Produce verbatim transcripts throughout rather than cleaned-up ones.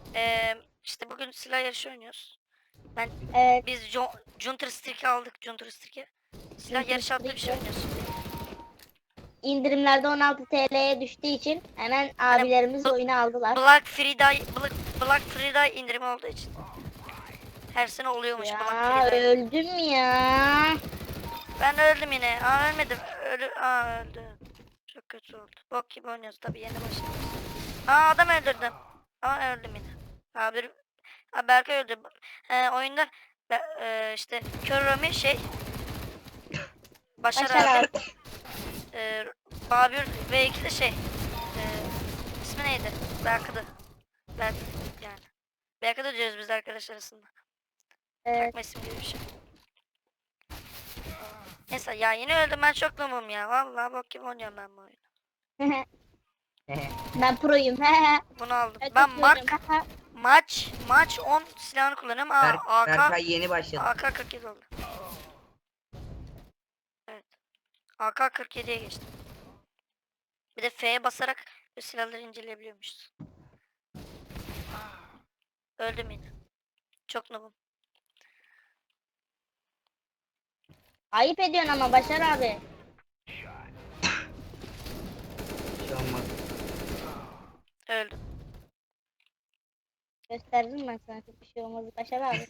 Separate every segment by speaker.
Speaker 1: Ee, işte bugün silah yarışı oynuyoruz. Ben
Speaker 2: Evet.
Speaker 1: biz Jo- Counter Strike aldık. Counter Strike. Silah
Speaker 2: Counter
Speaker 1: yarışı adlı bir şey
Speaker 2: Strike.
Speaker 1: oynuyoruz şimdi.
Speaker 2: İndirimlerde on altı T L'ye düştüğü için hemen
Speaker 1: Hani
Speaker 2: abilerimiz
Speaker 1: B-
Speaker 2: oyunu aldılar.
Speaker 1: Black Friday Black, Black Friday indirimi olduğu için. Her sene oluyormuş Black
Speaker 2: Ya
Speaker 1: Friday.
Speaker 2: öldüm ya.
Speaker 1: Ben öldüm yine. Aa ölmedim. Ölü Aa öldüm. Çok kötü oldu. Bok gibi oynuyoruz tabii yeni başladık. Aa adam öldürdüm. Ama öldüm yine. Abi, abi Berkay öldü. Ee, oyunda be- e, işte Kör Rami şey Başar
Speaker 2: Başar
Speaker 1: abi,
Speaker 2: abi.
Speaker 1: e, Babür ve iki de şey e, ismi neydi? Berkı'dı. Berk yani. Berkı'dı diyoruz biz arkadaşlar arasında.
Speaker 2: Evet.
Speaker 1: Takma isim gibi bir şey. Neyse ya yine öldüm ben çok noobum ya. Vallahi bok gibi oynuyorum ben bu oyunu.
Speaker 2: Ben proyum.
Speaker 1: Bunu aldım.
Speaker 2: Evet,
Speaker 1: Ben
Speaker 2: atıyorum.
Speaker 1: Mark maç maç on silahını kullanıyorum. Aa
Speaker 3: Berk,
Speaker 1: AK
Speaker 3: Berkay yeni başladı.
Speaker 1: AK kırk yedi oldu. Evet. A K kırk yediye geçtim. Bir de F'ye basarak bu silahları inceleyebiliyormuşuz. Öldüm yine. Çok noobum.
Speaker 2: Ayıp ediyorsun ama Başar abi.
Speaker 3: Bir şey olmaz.
Speaker 1: Öldüm.
Speaker 2: Gösterdim ben sana çok bir şey olmaz Başar abi.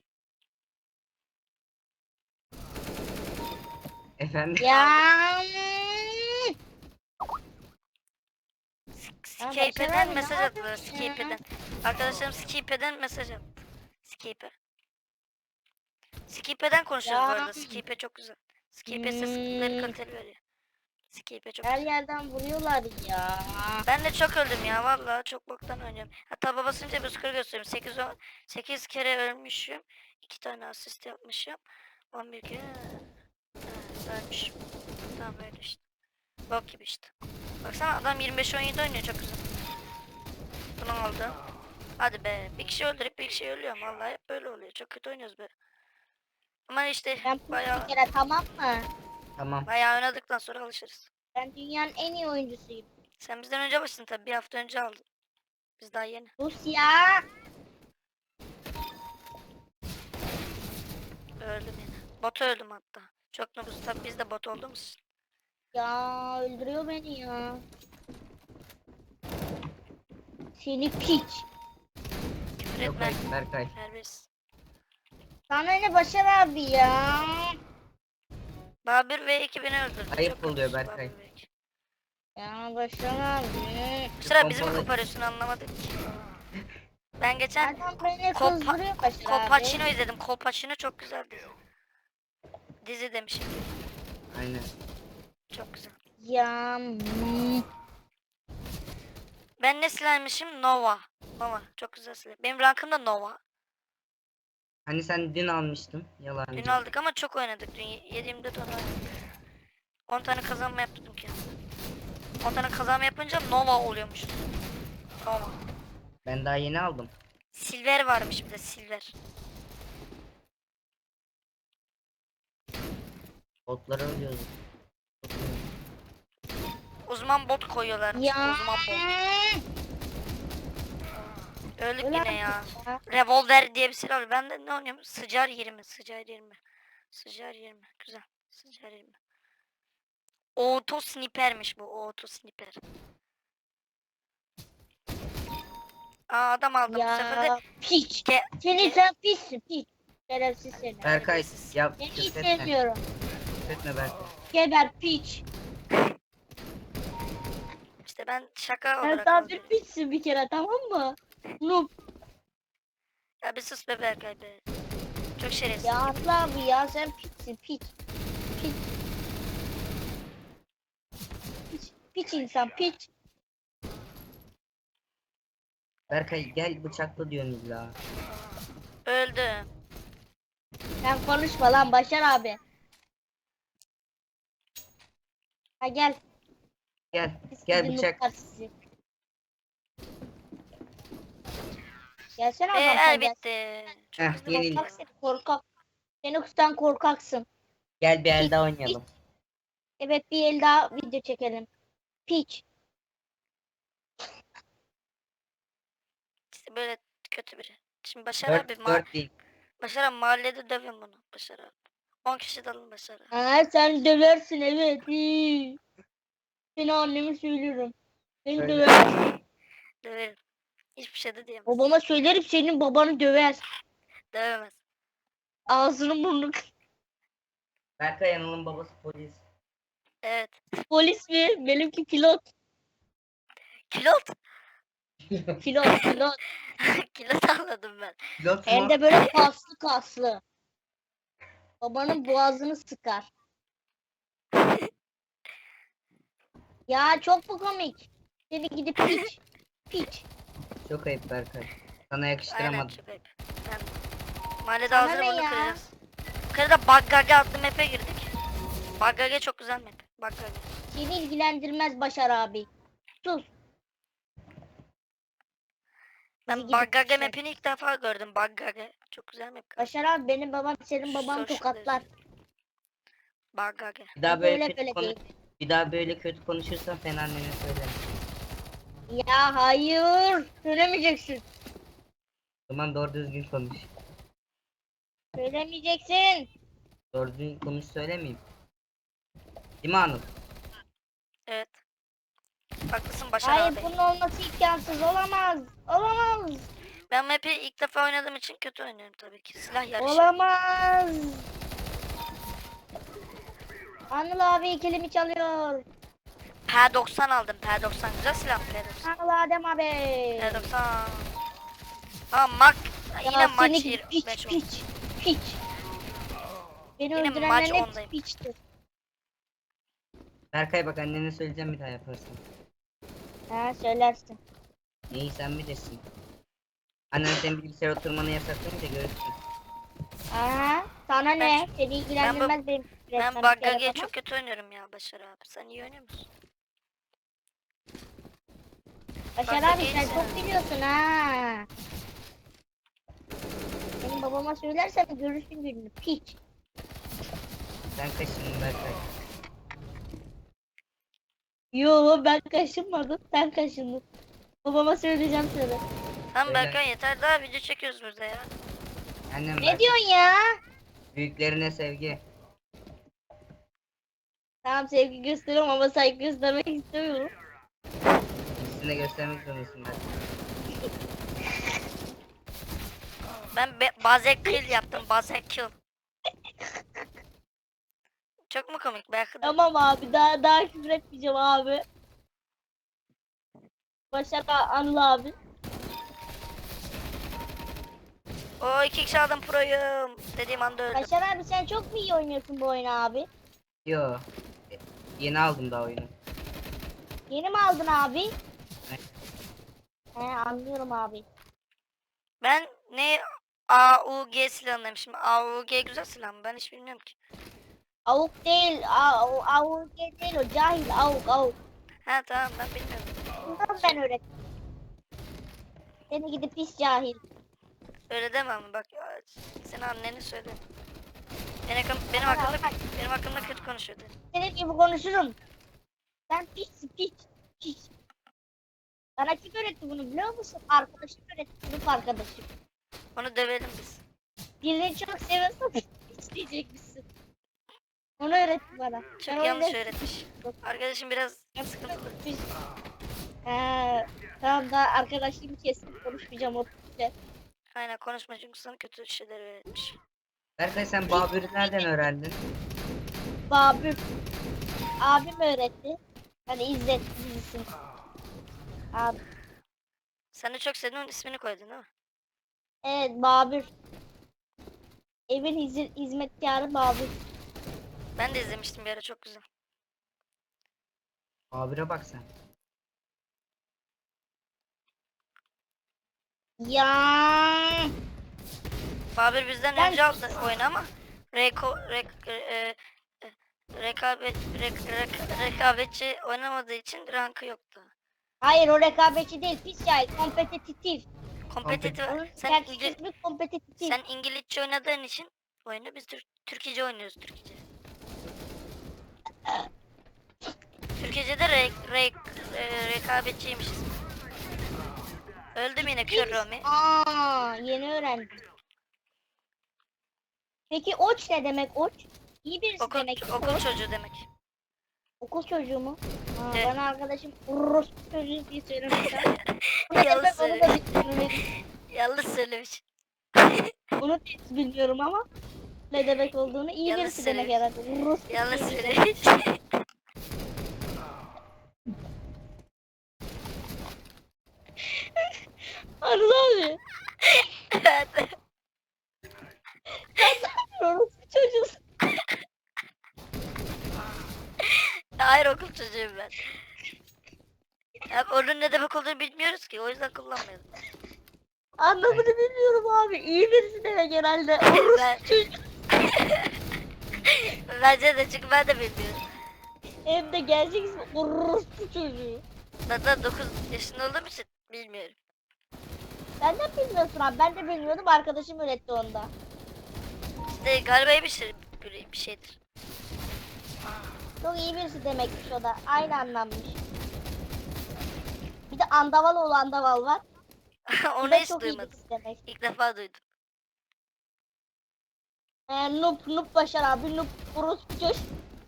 Speaker 3: Efendim?
Speaker 2: Ya. Ya Başar
Speaker 1: Skype'den
Speaker 2: abi ne
Speaker 1: mesaj attılar.
Speaker 2: yapıyorsun ya?
Speaker 1: Skype'den. Arkadaşlarım Skype'den mesaj attı. Skype. Skype'den konuşuyoruz bu
Speaker 2: Ya.
Speaker 1: arada. Skype çok güzel. Skype ses
Speaker 2: Hmm,
Speaker 1: kaliteli veriyor. Skype çok
Speaker 2: her
Speaker 1: güzel.
Speaker 2: yerden vuruyorlar ya.
Speaker 1: Ben de çok öldüm ya vallahi çok boktan oynuyorum. Hatta babasınca bir skor göstereyim. sekiz, sekiz kere ölmüşüm. iki tane asist yapmışım. on bir kere evet, ölmüşüm. Tamam öyle işte. Bok gibi işte. Baksana adam yirmi beş on yedi oynuyor çok güzel. Bunu aldım. Hadi be. Bir kişi öldürüp bir kişi ölüyorum. Vallahi hep böyle oluyor. Çok kötü oynuyoruz be. Ama işte
Speaker 2: Ben proyum
Speaker 1: bayağı
Speaker 2: bir kere, tamam mı?
Speaker 3: Tamam.
Speaker 1: bayağı oynadıktan sonra alışırız.
Speaker 2: Ben dünyanın en iyi oyuncusuyum.
Speaker 1: Sen bizden önce başladın tabii. Bir hafta önce aldın. Biz daha yeni.
Speaker 2: Sus ya.
Speaker 1: Öldüm yine. Bot öldüm hatta. Çok nobuz. Tabii biz de bot olduğumuz için.
Speaker 2: Ya öldürüyor beni ya. Seni piç.
Speaker 1: Küfür
Speaker 3: Yok
Speaker 1: etme.
Speaker 3: hayır Berkay.
Speaker 1: Serbest.
Speaker 2: Sana ne Başar abi ya?
Speaker 1: Babür ve ekibini öldürdü.
Speaker 3: Ayıp
Speaker 1: Çok
Speaker 3: oluyor
Speaker 1: kötüsün
Speaker 3: Berkay.
Speaker 1: Babür ve ekip.
Speaker 2: Ya Başar abi.
Speaker 1: Sıra bizi mi
Speaker 3: Pompalı-
Speaker 1: koparıyorsun anlamadım ki. Ben geçen
Speaker 2: Adam beni
Speaker 1: Kopa
Speaker 2: kızdırıyor Başar abi.
Speaker 1: Kolpaçino izledim. Kolpaçino çok güzel dizi. Dizi demişim.
Speaker 3: Aynen.
Speaker 1: Çok güzel.
Speaker 2: Ya. hmm.
Speaker 1: Ben ne silahmışım? Nova. Nova. Çok güzel silah. Benim rankım da Nova.
Speaker 3: Hani sen dün almıştın.
Speaker 1: Dün
Speaker 3: Yalancı.
Speaker 1: aldık ama çok oynadık. Dün yedi yirmi dört oynadık. on tane kazanma yaptım ki. on tane kazanma yapınca Nova oluyormuş. Nova.
Speaker 3: Ben daha yeni aldım.
Speaker 1: Silver varmış bir de silver.
Speaker 3: Botları ölüyoruz.
Speaker 1: Uzman bot koyuyorlarmış.
Speaker 2: Ya.
Speaker 1: Uzman bot. Öldük
Speaker 2: Öyle
Speaker 1: yine ya.
Speaker 2: ya.
Speaker 1: Revolver diye bir silah var. Ben de ne oynuyorum? Sıcar yirmi. Sıcar yirmi. Sıcar yirmi. Güzel. Sıcar yirmi. Auto snipermiş bu. Auto sniper. Aa adam aldım. Bu sefer de
Speaker 2: Ya piç.
Speaker 1: ge
Speaker 2: Seni
Speaker 1: ge
Speaker 2: sen pissin piç. Şerefsiz seni.
Speaker 3: Berkay
Speaker 1: Terbiyesiz.
Speaker 3: yap.
Speaker 2: Seni hiç
Speaker 3: Küfretme.
Speaker 2: sevmiyorum.
Speaker 3: Küfretme Berkay.
Speaker 2: Geber piç.
Speaker 1: işte ben şaka
Speaker 2: Sen
Speaker 1: olarak
Speaker 2: daha bir
Speaker 1: alıyorum.
Speaker 2: piçsin bir kere, tamam mı? Noob.
Speaker 1: Ya bir sus be Berkay be. Çok şerefsiz.
Speaker 2: Ya abla abi ya, sen piçsin piç. Piç. Piç, piç insan piç.
Speaker 3: Berkay gel bıçakla diyorsun illa.
Speaker 1: Öldüm.
Speaker 2: Sen konuşma lan Başar abi. Ha gel.
Speaker 3: Gel.
Speaker 2: Pis
Speaker 3: Gel
Speaker 2: gidin
Speaker 3: bıçak.
Speaker 2: nooblar sizi. Gelsene
Speaker 1: Ve
Speaker 2: adam sen
Speaker 1: el
Speaker 2: gel.
Speaker 1: bitti. Çok
Speaker 3: Heh,
Speaker 1: hızlı
Speaker 3: yenil.
Speaker 1: bitti.
Speaker 2: Korkak sen, korkak. Sen sen korkaksın.
Speaker 3: Gel bir el
Speaker 2: Piç,
Speaker 3: daha oynayalım.
Speaker 2: Evet, bir el daha video çekelim. Piç.
Speaker 1: İşte böyle kötü biri. Şimdi Başar
Speaker 3: Dört,
Speaker 1: abi ma
Speaker 3: dört değil.
Speaker 1: Başar abi mahallede dövün bunu. Başar abi. on kişi dalın Başar abi.
Speaker 2: Ha, sen döversin evet. İyi. Seni anneme söylüyorum. Seni
Speaker 3: Öyle.
Speaker 2: döver.
Speaker 1: Döverim. Hiçbir şey de diyemez.
Speaker 2: Babama söylerim senin babanı döver.
Speaker 1: Dövemez.
Speaker 2: Ağzını burnunu.
Speaker 3: Berkay Anıl'ın babası polis.
Speaker 1: Evet.
Speaker 2: Polis mi? Benimki pilot.
Speaker 1: Kilot.
Speaker 2: Pilot pilot.
Speaker 1: Kilot anladım ben.
Speaker 3: Pilot
Speaker 2: Hem
Speaker 3: mu?
Speaker 2: de böyle kaslı kaslı. Babanın boğazını sıkar. Ya çok bu komik. Seni gidip piç. Piç.
Speaker 3: Çok ayıp Berkay. Sana
Speaker 1: Aynen
Speaker 3: yakıştıramadım.
Speaker 1: çok ayıp. Ben mahallede
Speaker 2: Sana
Speaker 1: ağzını
Speaker 2: ne
Speaker 1: bunu
Speaker 2: ya?
Speaker 1: kıracağız. Yukarıda Baggage adlı map'e girdik. Baggage çok güzel map. Baggage.
Speaker 2: Seni ilgilendirmez Başar abi. Sus.
Speaker 1: Ben
Speaker 2: gidip
Speaker 1: Baggage
Speaker 2: şey-
Speaker 1: map'ini ilk defa gördüm. Baggage. Çok güzel map.
Speaker 2: Başar abi benim babam senin baban
Speaker 1: Social
Speaker 2: tokatlar.
Speaker 1: Baggage.
Speaker 3: Bir daha
Speaker 2: Hep
Speaker 3: böyle
Speaker 2: öyle
Speaker 3: kötü
Speaker 2: böyle
Speaker 3: konu
Speaker 2: değil.
Speaker 3: bir daha böyle kötü konuşursan sen annene söylerim.
Speaker 2: Ya hayır. Söylemeyeceksin.
Speaker 3: O zaman doğru düzgün konuş.
Speaker 2: Söylemeyeceksin.
Speaker 3: Doğru düzgün konuş söylemeyeyim. Değil mi Anıl?
Speaker 1: Evet. Haklısın Başar
Speaker 2: Hayır
Speaker 1: abi.
Speaker 2: bunun olması imkansız. Olamaz. Olamaz.
Speaker 1: Ben map'i ilk defa oynadığım için kötü oynuyorum tabii ki. Silah yarışı.
Speaker 2: Olamaz. Anıl abi ikilimi çalıyor.
Speaker 1: P doksan aldım. P doksan güzel silah P doksan.
Speaker 2: Anıl Adem abi.
Speaker 1: P doksan. Tamam mak. Yine
Speaker 2: Ya
Speaker 1: maç
Speaker 2: seni
Speaker 1: yirmi
Speaker 2: piç
Speaker 1: beş oldu.
Speaker 2: piç piç. Beni
Speaker 1: Yine maç
Speaker 2: öldürenlerin hepsi
Speaker 1: ondayım.
Speaker 2: piçtir.
Speaker 3: Berkay bak annene söyleyeceğim bir daha yaparsın.
Speaker 2: Ha söylersin.
Speaker 3: İyi sen bilirsin. Annen senin bilgisayar oturmanı yasaklayınca görürsün.
Speaker 2: Aha sana ne? Seni ilgilendirmez benim.
Speaker 1: Ben
Speaker 2: resmen
Speaker 1: Baggage'yi
Speaker 2: telefonu.
Speaker 1: çok kötü oynuyorum ya Başar abi. Sen iyi oynuyor musun?
Speaker 2: Başar
Speaker 1: Bak,
Speaker 2: abi sen
Speaker 1: iyisin.
Speaker 2: çok biliyorsun ha. Benim babama söylersen görürsün gününü piç.
Speaker 3: Sen kaşındın Berkay.
Speaker 2: Yo ben kaşınmadım sen kaşındın. Babama söyleyeceğim sana.
Speaker 1: Tamam
Speaker 3: Öyle.
Speaker 1: Berkan yeter daha video çekiyoruz burada ya.
Speaker 3: Annem
Speaker 2: Ne
Speaker 3: Berkay.
Speaker 2: diyorsun ya?
Speaker 3: Büyüklerine sevgi.
Speaker 2: Tamam sevgi gösteriyorum ama saygı göstermek istemiyorum.
Speaker 3: İkisini de göstermek zorundasın Berkay.
Speaker 1: Ben be- bazen kill yaptım bazen kill. Çok mu komik Berkan?
Speaker 2: Tamam abi daha daha küfür etmeyeceğim abi. Başar Anıl abi.
Speaker 1: O iki kişi aldım proyum. Dediğim anda öldüm.
Speaker 2: Başar abi sen çok mu iyi oynuyorsun bu oyunu abi?
Speaker 3: Yo. e, Yeni aldım daha oyunu.
Speaker 2: Yeni mi aldın abi?
Speaker 3: Evet.
Speaker 2: He anlıyorum abi.
Speaker 1: Ben ne A U G silahındayım şimdi. A U G güzel silah mı? Ben hiç bilmiyorum ki.
Speaker 2: Avuk değil, av, avuk değil o cahil avuk avuk.
Speaker 1: Ha tamam ben bilmiyorum.
Speaker 2: Bundan ben öğrettim. Seni gidip pis cahil.
Speaker 1: Öyle deme ama bak ya, senin anneni söyle. Benim, hakkım- benim
Speaker 2: Bana
Speaker 1: hakkımda
Speaker 2: bak.
Speaker 1: benim hakkımda kötü konuşuyordu.
Speaker 2: Senin gibi konuşurum. Sen pis pis pis. Sana kim öğretti bunu biliyor musun? Arkadaşım öğretti, sınıf arkadaşım.
Speaker 1: Onu dövelim biz.
Speaker 2: Birini çok seviyorsan pis diyecekmişsin. Onu öğretti bana.
Speaker 1: Çok
Speaker 2: Ben o
Speaker 1: yanlış
Speaker 2: yüzden-
Speaker 1: öğretmiş. Arkadaşım biraz sıkıntılı.
Speaker 2: Pis. Ee, tamam da arkadaşlığımı kestim konuşmayacağım o pisle.
Speaker 1: Aynen konuşma çünkü sana kötü şeyler öğretmiş.
Speaker 3: Berkay sen Babür'ü nereden öğrendin?
Speaker 2: Babür. Abim öğretti. Hani İzzet dizisi. Abi.
Speaker 1: Sen de çok sevdiğin ismini koydun değil mi?
Speaker 2: Evet Babür. Evin hiz- hizmetkarı Babür.
Speaker 1: Ben de izlemiştim bir ara çok güzel.
Speaker 3: Babür'e bak sen.
Speaker 2: Ya.
Speaker 1: Babür bizden
Speaker 2: Ben-
Speaker 1: önce aldı oyunu ama reko, rek, e, e, rekabet, rek, rek- rekabetçi oynamadığı için rankı yoktu.
Speaker 2: Hayır o rekabetçi değil pis cahil kompetitif.
Speaker 1: Kompetitif.
Speaker 2: Onun
Speaker 1: Sen,
Speaker 2: gerçek
Speaker 1: İngi-
Speaker 2: ismi kompetitif.
Speaker 1: sen İngilizce oynadığın için oyunu biz Tür Türkice oynuyoruz Türkice. Türkice'de re, re, e, rekabetçiymişiz. Öldüm yine kör Romi.
Speaker 2: Aa, yeni öğrendim. Peki oç ne demek oç? İyi birisi
Speaker 1: Okul,
Speaker 2: demek.
Speaker 1: okul
Speaker 2: oç.
Speaker 1: çocuğu demek.
Speaker 2: Okul çocuğu mu? Aa,
Speaker 1: Evet.
Speaker 2: bana arkadaşım Rus çocuğu diye söylemişler. Bu ne
Speaker 1: Yanlış
Speaker 2: demek onu da
Speaker 1: söylemiş.
Speaker 2: bilmiyorum.
Speaker 1: Yanlış söylemiş.
Speaker 2: Onu da hiç bilmiyorum ama ne demek olduğunu iyi
Speaker 1: Yanlış
Speaker 2: birisi demek
Speaker 1: söylemiş.
Speaker 2: herhalde. Rus
Speaker 1: Yanlış
Speaker 2: çocuğu demek.
Speaker 1: söylemiş.
Speaker 2: Arzu abi.
Speaker 1: Evet.
Speaker 2: Rus çocuğu.
Speaker 1: Hayır okul çocuğuyum ben. Ya onun ne demek olduğunu bilmiyoruz ki o yüzden kullanmayalım.
Speaker 2: Anlamını bilmiyorum abi. İyi birisi demek herhalde. Rus
Speaker 1: Ben-
Speaker 2: çocuğu.
Speaker 1: Bence de çünkü ben de bilmiyorum.
Speaker 2: Hem de gerçek ismi Rus çocuğu.
Speaker 1: Zaten dokuz yaşında olduğum için bilmiyorum.
Speaker 2: Sen de bilmiyorsun abi. Ben de bilmiyordum. Arkadaşım öğretti onda.
Speaker 1: İşte galiba iyi bir, şey, bir, bir şeydir.
Speaker 2: Çok iyi birisi demekmiş o da. Aynı anlammış. Bir de andaval oğlu andaval var. Bu
Speaker 1: Onu
Speaker 2: da
Speaker 1: hiç
Speaker 2: çok iyi
Speaker 1: duymadım.
Speaker 2: birisi demek.
Speaker 1: İlk defa duydum.
Speaker 2: Ee, noob, noob Başar abi, noob Rus çocuğu.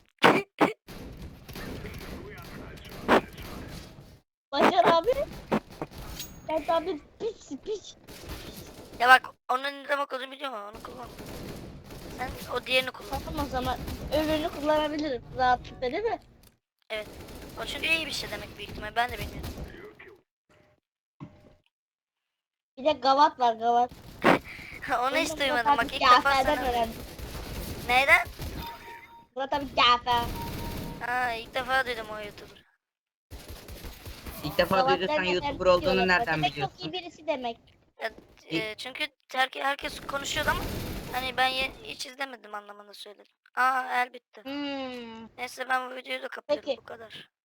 Speaker 2: Başar abi. Ben tabi piç piç.
Speaker 1: Ya bak onun ne demek olduğunu biliyorum ama onu kullan. Sen o diğerini kullan.
Speaker 2: Tamam o zaman öbürünü kullanabilirim rahatlıkla değil mi?
Speaker 1: Evet. O çünkü iyi bir şey demek büyük ihtimal. Ben de bilmiyorum.
Speaker 2: Bir de gavat var gavat.
Speaker 1: Onu hiç
Speaker 2: Bunu
Speaker 1: duymadım.
Speaker 2: Murat
Speaker 1: Bak
Speaker 2: abi
Speaker 1: ilk defa
Speaker 2: Cafer'den
Speaker 1: sana.
Speaker 2: öğrendim.
Speaker 1: Neyden?
Speaker 2: Murat abi Cafer.
Speaker 1: Ha ilk defa duydum o YouTuber.
Speaker 3: İlk defa
Speaker 2: Gavat
Speaker 3: duyduysan
Speaker 2: derken
Speaker 3: YouTuber
Speaker 2: diyorlar.
Speaker 3: olduğunu nereden
Speaker 2: Demek çok
Speaker 3: biliyorsun?
Speaker 2: iyi birisi demek.
Speaker 1: Ya, e, çünkü herke, herkes konuşuyordu ama hani ben ye- hiç izlemedim anlamında söyledim. Aa el bitti.
Speaker 2: Hmm.
Speaker 1: Neyse ben bu videoyu da kapatıyorum
Speaker 2: Peki.
Speaker 1: bu kadar.